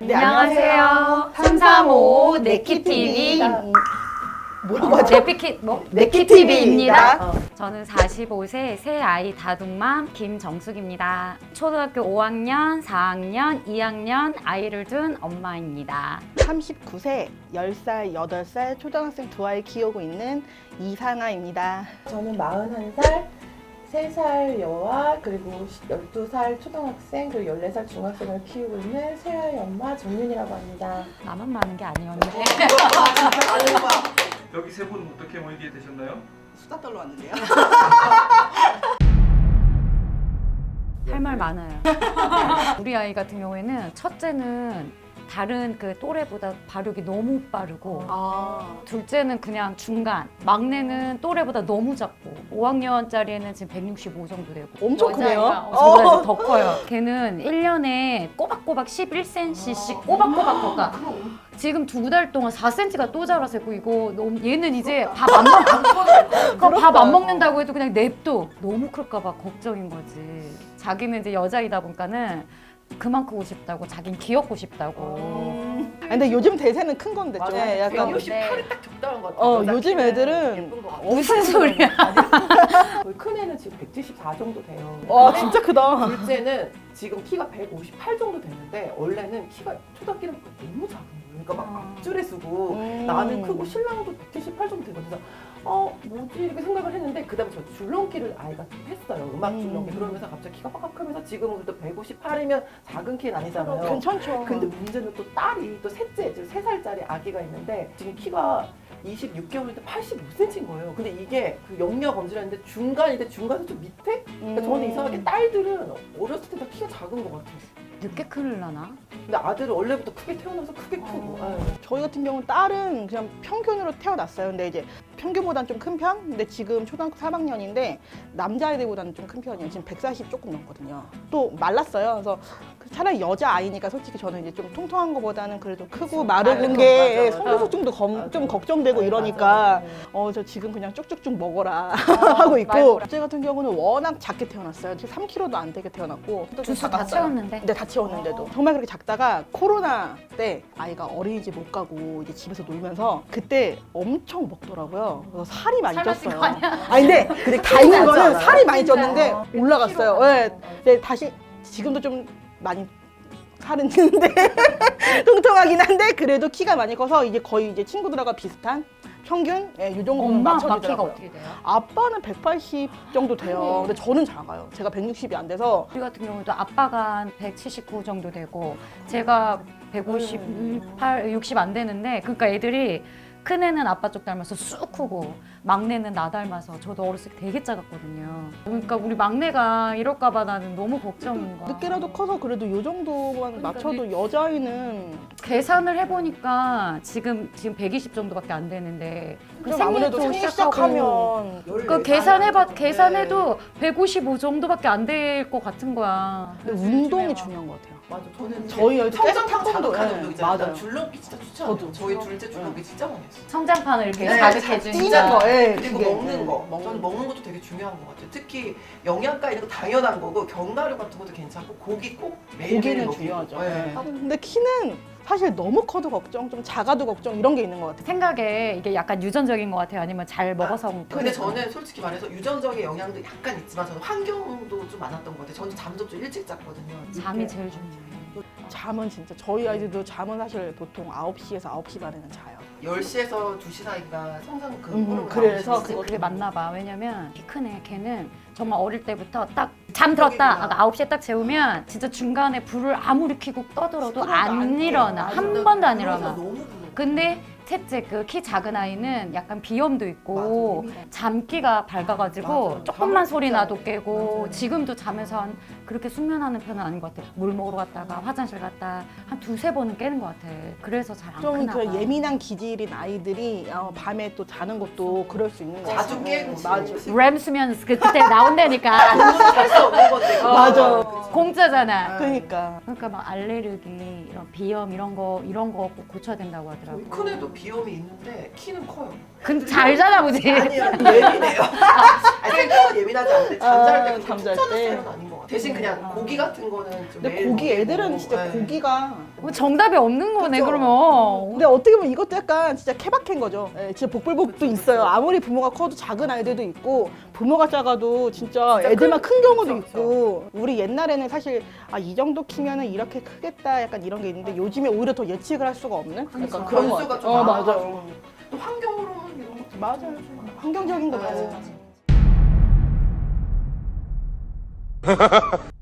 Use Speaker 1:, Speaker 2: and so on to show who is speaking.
Speaker 1: 네, 안녕하세요. 335 네키TV
Speaker 2: 뭐라고 하죠?
Speaker 1: 네키TV입니다. 저는 45세 새 아이 다둥맘 김정숙입니다. 초등학교 5학년, 4학년, 2학년 아이를 둔 엄마입니다.
Speaker 2: 39세, 10살, 8살 초등학생 두 아이 키우고 있는 이상아입니다.
Speaker 3: 저는 41살, 3살 여아, 그리고 12살 초등학생, 그리고 14살 중학생을 키우고 있는 새아이 엄마 정윤이라고 합니다.
Speaker 1: 나만 많은 게 아니었는데.
Speaker 4: 여기 세 분 어떻게 모이게 되셨나요?
Speaker 2: 수다 떨러 왔는데요.
Speaker 1: 할 말 많아요. 우리 아이 같은 경우에는 첫째는 다른 그 또래보다 발육이 너무 빠르고 둘째는 그냥 중간, 막내는 또래보다 너무 작고 5학년짜리에는 지금 165 정도 되고
Speaker 2: 엄청 크네요.
Speaker 1: 저보다 더 커요. 걔는 1년에 꼬박꼬박 11cm씩 꼬박꼬박 걷가. 지금 2달 동안 4cm가 또 자라서 이거 너무 얘는 이제 밥 안 먹는다고 해도 그냥 냅둬. 너무 클까 봐 걱정인 거지. 자기는 이제 여자이다 보니까는 그만 크고 싶다고, 자긴 귀엽고 싶다고.
Speaker 2: 근데 요즘 대세는 큰 건데 좀
Speaker 3: 맞아요.
Speaker 2: 약간
Speaker 3: 168이 딱 적당한 것 같아요.
Speaker 2: 요즘 애들은
Speaker 3: 예쁜 것 같아요.
Speaker 1: 무슨 소리야?
Speaker 3: 저희 큰 애는 지금 174 정도 돼요.
Speaker 2: 와 진짜 크다.
Speaker 3: 둘째는 지금 키가 158 정도 됐는데 원래는 키가 초등학교는 너무 작은 거예요. 그러니까 막 앞줄에 쓰고 나는 크고 신랑도 178 정도 되거든요. 뭐지 이렇게 생각을 했는데 그다음에 저 줄넘기를 아이가 좀 했어요. 음악 줄넘기. 그러면서 갑자기 키가 빡빡 크면서 지금은 그래도 158이면 작은 키는 아니잖아요.
Speaker 2: 괜찮죠.
Speaker 3: 근데 문제는 또 딸이 또 셋째, 지금 3살짜리 아기가 있는데 지금 키가 26개월인데 85cm인 거예요. 근데 이게 그 영역 검진했는데 중간인데 중간에서 좀 밑에? 그러니까 저는 이상하게 딸들은 어렸을 때 다 키가 작은 것 같아요.
Speaker 1: 늦게 크려나?
Speaker 3: 근데 아들은 원래부터 크게 태어나서 크게 크고. 아유.
Speaker 2: 저희 같은 경우는 딸은 그냥 평균으로 태어났어요. 근데 이제 평균보다는 좀 큰 편? 근데 지금 초등학교 3학년인데 남자애들보다는 좀 큰 편이에요. 지금 140 조금 넘거든요. 또 말랐어요. 그래서 차라리 여자아이니까 솔직히 저는 이제 좀 통통한 거보다는 그래도 크고 마르는 게
Speaker 3: 맞아.
Speaker 2: 성소수증도 좀 걱정되고
Speaker 3: 네,
Speaker 2: 이러니까
Speaker 3: 맞아.
Speaker 2: 저 지금 그냥 쭉쭉쭉 먹어라 하고 있고
Speaker 1: 말고라.
Speaker 2: 제 같은 경우는 워낙 작게 태어났어요. 지금 3kg도 안 되게 태어났고
Speaker 1: 주스 다 채웠는데.
Speaker 2: 네, 다 채웠는데도 정말 그렇게 작다가 코로나 때 아이가 어린이집 못 가고 이제 집에서 놀면서 그때 엄청 먹더라고요. 그래서 살이 많이
Speaker 1: 삶았을
Speaker 2: 쪘어요.
Speaker 1: 거 아니야?
Speaker 2: 근데 다행인 거는
Speaker 3: 않아요?
Speaker 2: 살이 많이 쪘는데 올라갔어요.
Speaker 3: 키로가
Speaker 2: 네, 네, 다시 지금도 좀 많이 살은 찌는데 통통하긴 한데 그래도 키가 많이 커서 이제 거의 이제 친구들하고 비슷한 평균 이 정도는
Speaker 1: 엄마 아빠 키가
Speaker 2: 맞춰주더라고요.
Speaker 1: 어떻게 돼요?
Speaker 2: 아빠는 180 정도 돼요. 근데 저는 작아요. 제가 160이 안 돼서
Speaker 1: 우리 같은 경우도 아빠가 한 179 정도 되고 제가 158, 60 안 되는데 그러니까 애들이 큰 애는 아빠 쪽 닮아서 쑥 크고 막내는 나 닮아서 저도 어렸을 때 되게 작았거든요. 그러니까 우리 막내가 이럴까 봐 나는 너무 걱정인 거야.
Speaker 2: 늦게라도 커서 그래도 요 정도만 맞춰도 여자아이는
Speaker 1: 계산을 해보니까 지금 120 정도밖에 안 되는데 그
Speaker 2: 좀 아무래도
Speaker 1: 생리도
Speaker 2: 생리
Speaker 1: 시작하고
Speaker 2: 시작하면
Speaker 1: 그 계산해도 155 정도밖에 안 될 것 같은 거야.
Speaker 2: 근데 운동이 중요한 것 같아요.
Speaker 3: 맞아. 저는
Speaker 2: 저희 애들 계속
Speaker 5: 성장판
Speaker 2: 태권도,
Speaker 5: 자극하는
Speaker 2: 예,
Speaker 5: 운동 있잖아요.
Speaker 2: 맞아요.
Speaker 5: 난 줄넘기 진짜 추천해요.
Speaker 2: 저도.
Speaker 5: 저희 둘째 줄넘기 진짜 많이 했어요.
Speaker 1: 성장판을 이렇게
Speaker 5: 네,
Speaker 1: 자극해주니까.
Speaker 2: 뛰는 거, 예,
Speaker 5: 그리고
Speaker 2: 그게.
Speaker 5: 먹는 거.
Speaker 2: 먹는
Speaker 5: 저는 먹는 것도 되게 중요한 것 같아요. 특히 영양가 이런 거 당연한 거고 견과류 같은 것도 괜찮고 고기 꼭 매일매일
Speaker 2: 고기는
Speaker 5: 먹고.
Speaker 2: 중요하죠.
Speaker 5: 네.
Speaker 2: 근데 키는 사실 너무 커도 걱정, 좀 작아도 걱정 이런 게 있는 것 같아요.
Speaker 1: 생각에 이게 약간 유전적인 것 같아요? 아니면 잘 먹어서 그런
Speaker 5: 근데
Speaker 1: 거예요?
Speaker 5: 저는 솔직히 말해서 유전적인 영향도 약간 있지만 저는 환경도 좀 많았던 것 같아요. 저는 잠도 좀 일찍 잤거든요.
Speaker 1: 잠이 제일 중요해요.
Speaker 2: 잠은 진짜 저희 아이들도 잠은 사실 보통 9시에서 9시 반에는 자요.
Speaker 5: 10시에서 2시 사이가 성장 그 호르몬
Speaker 2: 그래서
Speaker 5: 나오는 시기.
Speaker 1: 그게 맞나 봐. 왜냐면 키 큰 애 걔는 정말 어릴 때부터 딱 잠 들었다. 아까 9시에 딱 재우면 진짜 중간에 불을 아무리 켜고 떠들어도 안 일어나. 한 번도 안 일어나.
Speaker 5: 너무 부러워.
Speaker 1: 근데 셋째 그 키 작은 아이는 약간 비염도 있고 잠기가 밝아가지고
Speaker 5: 맞아.
Speaker 1: 조금만
Speaker 5: 잠을
Speaker 1: 소리
Speaker 5: 진짜
Speaker 1: 나도 깨고
Speaker 5: 맞아요.
Speaker 1: 지금도 잠에서 한 그렇게 숙면하는 편은 아닌 것 같아. 물 먹으러 갔다가 화장실 갔다 한 2-3번은 깨는 것 같아. 그래서 잘 안
Speaker 2: 좀
Speaker 1: 크나 봐.
Speaker 2: 그 예민한 기질인 아이들이 밤에 또 자는 것도 그럴 수 있는 거 같아요.
Speaker 5: 자주 깨고
Speaker 2: 맞아.
Speaker 1: 램 수면 그때 나온다니까.
Speaker 5: 할수 없는 건데.
Speaker 2: 맞아.
Speaker 1: 공짜잖아.
Speaker 2: 그러니까
Speaker 1: 그러니까 막 알레르기, 이런 비염 이런 거 꼭 고쳐야 된다고 하더라고.
Speaker 5: 큰 애도 비염이 있는데 키는 커요.
Speaker 1: 근데 잘 자나 보지.
Speaker 5: 아니요 예민해요. 생각은 예민하지 않은데 잠잘 때 그렇게
Speaker 2: 잠잘
Speaker 5: 푹 자는
Speaker 2: 때.
Speaker 5: 스타일은 아닌 것 같아요. 대신 그냥 고기 같은 거는 좀
Speaker 2: 근데
Speaker 5: 매일
Speaker 2: 고기
Speaker 5: 먹이고.
Speaker 2: 애들은 진짜
Speaker 5: 네.
Speaker 2: 고기가
Speaker 1: 뭐 정답이 없는 거네
Speaker 5: 그쵸?
Speaker 1: 그러면.
Speaker 2: 근데 어떻게 보면 이것도 약간 진짜 케바케인 거죠. 예, 진짜 복불복도 있어요. 아무리 부모가 커도 작은 아이들도 있고 부모가 작아도 진짜 애들만 큰 경우도
Speaker 5: 그쵸,
Speaker 2: 있고 우리 옛날에는 사실 이 정도 키면은 이렇게 크겠다 약간 이런 게 있는데 요즘에 오히려 더 예측을 할 수가 없는 약간 그런 거
Speaker 5: 변수가
Speaker 2: 같아요.
Speaker 5: 좀
Speaker 2: 맞아.
Speaker 5: 많아가지고 또 환경으로는 이런 것도
Speaker 2: 맞아요. 환경적인 거
Speaker 5: 네.
Speaker 2: 맞아요.